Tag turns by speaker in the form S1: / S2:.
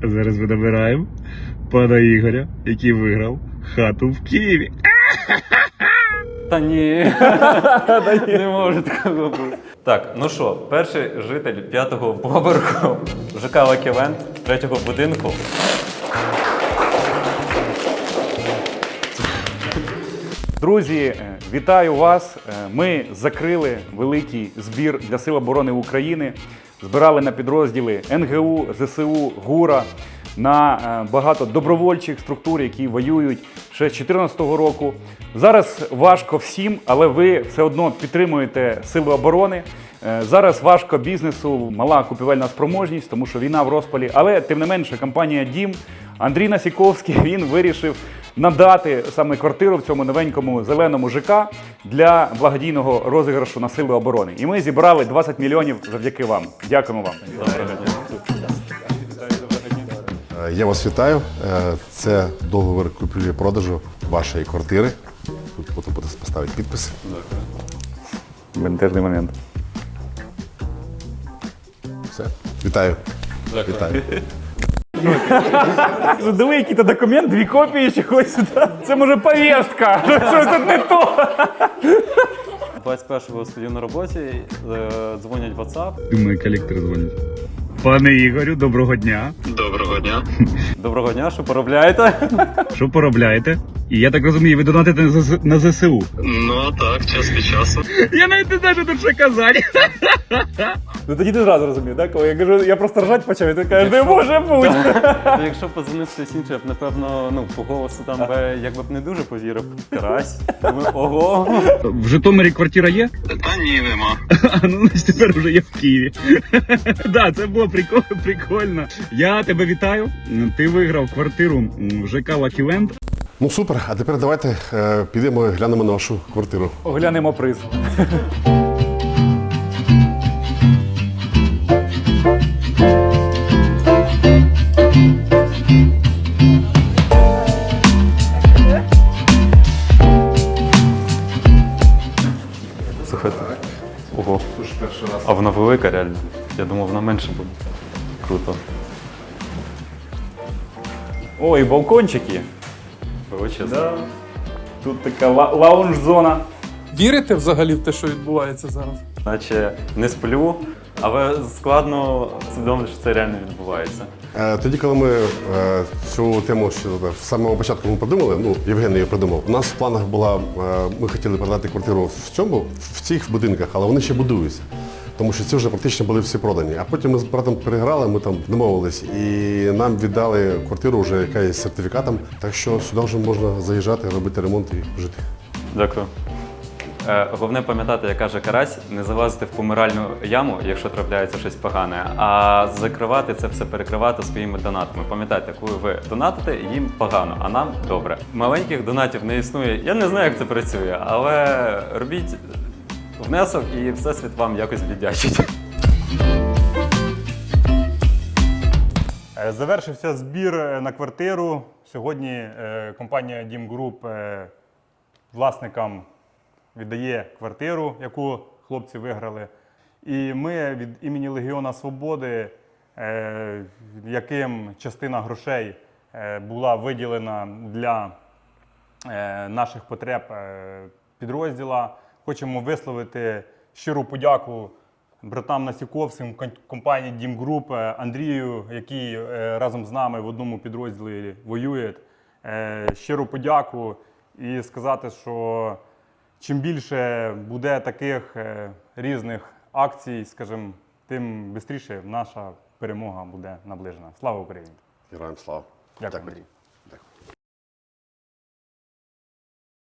S1: Зараз ми набираємо пана Ігоря, який виграв хату в Києві.
S2: Та ні, не може такого бути. Так, ну що, перший житель 5-го поверху ЖК Лаківент, 3-го будинку.
S3: Друзі, вітаю вас! Ми закрили великий збір для Сил оборони України. Збирали на підрозділи НГУ, ЗСУ, ГУРа, на багато добровольчих структур, які воюють ще з 2014 року. Зараз важко всім, але ви все одно підтримуєте Сили оборони. Зараз важко бізнесу, мала купівельна спроможність, тому що війна в розпалі. Але, тим не менше, компанія «Дім», Андрій Насіковський, він вирішив надати саме квартиру в цьому новенькому зеленому ЖК для благодійного розіграшу на Сили оборони. І ми зібрали 20 мільйонів завдяки вам. Дякуємо вам.
S4: Я вас вітаю. Це договір купівлі-продажу вашої квартири. Тут потім буде поставити підпис.
S3: Бентежний момент.
S4: Все. Вітаю. Вітаю.
S3: Дали якийсь документ, 2 копії чогось. Це може повістка. Щось тут не то.
S2: 21-го стою на роботі, дзвонять в WhatsApp.
S1: Думаю, колектор дзвонить. Пане Ігорю, доброго дня.
S5: Доброго дня.
S2: Доброго дня, що поробляєте?
S1: Що поробляєте? І я так розумію, ви донатите на ЗСУ.
S5: Ну так, час від часу.
S1: Я навіть не знаю, що тут ще казати.
S3: Ну тоді ти зразу розумів, так? Коли я кажу, я просто ржать почав, і ти кажеш, не може бути.
S2: Якщо подзвонив хтось інший, я б, напевно, по голосу там якби б не дуже повірив. Карась. Думаю, ого.
S1: В Житомирі квартира є?
S5: Та ні, нема.
S1: Ну, тепер вже є в Києві. Так, це було прикольно. Я тебе вітаю. Ти виграв квартиру в ЖК Лаківент.
S4: Ну супер, а тепер давайте підемо і глянемо на вашу квартиру.
S3: Оглянемо приз.
S2: Слухайте. Ого. А вона велика реально. Я думав, вона менше буде. Круто.
S3: Ой, балкончики.
S2: Величезно.
S3: Да. Тут така лаунж-зона.
S6: Вірите взагалі в те, що відбувається зараз?
S2: Наче не сплю, але складно усвідомити, що це реально відбувається.
S4: Тоді, коли ми цю тему ще з самого початку ми придумали, ну, Євген її придумав, у нас в планах була, ми хотіли продати квартиру в цих будинках, але вони ще будуються. Тому що ці вже практично були всі продані. А потім ми з братом переграли, ми там домовились і нам віддали квартиру, вже яка є з сертифікатом. Так що сюди вже можна заїжджати, робити ремонт і жити.
S2: Дякую. Головне пам'ятати, як каже Карась, не залазити в помиральну яму, якщо трапляється щось погане, а закривати це все, перекривати своїми донатами. Пам'ятайте, коли ви донатите, їм погано, а нам добре. Маленьких донатів не існує. Я не знаю, як це працює, але робіть внесок і Всесвіт вам якось віддячить.
S3: Завершився збір на квартиру. Сьогодні компанія «Дім Груп» власникам віддає квартиру, яку хлопці виграли. І ми від імені Легіона Свободи, яким частина грошей була виділена для наших потреб підрозділа, хочемо висловити щиру подяку братам Насіковським, компанії «Дім Груп», Андрію, який разом з нами в одному підрозділі воює. Щиру подяку і сказати, що чим більше буде таких різних акцій, скажімо, тим швидше наша перемога буде наближена. Слава Україні!
S4: Героям слава!
S3: Дякую, Андрій.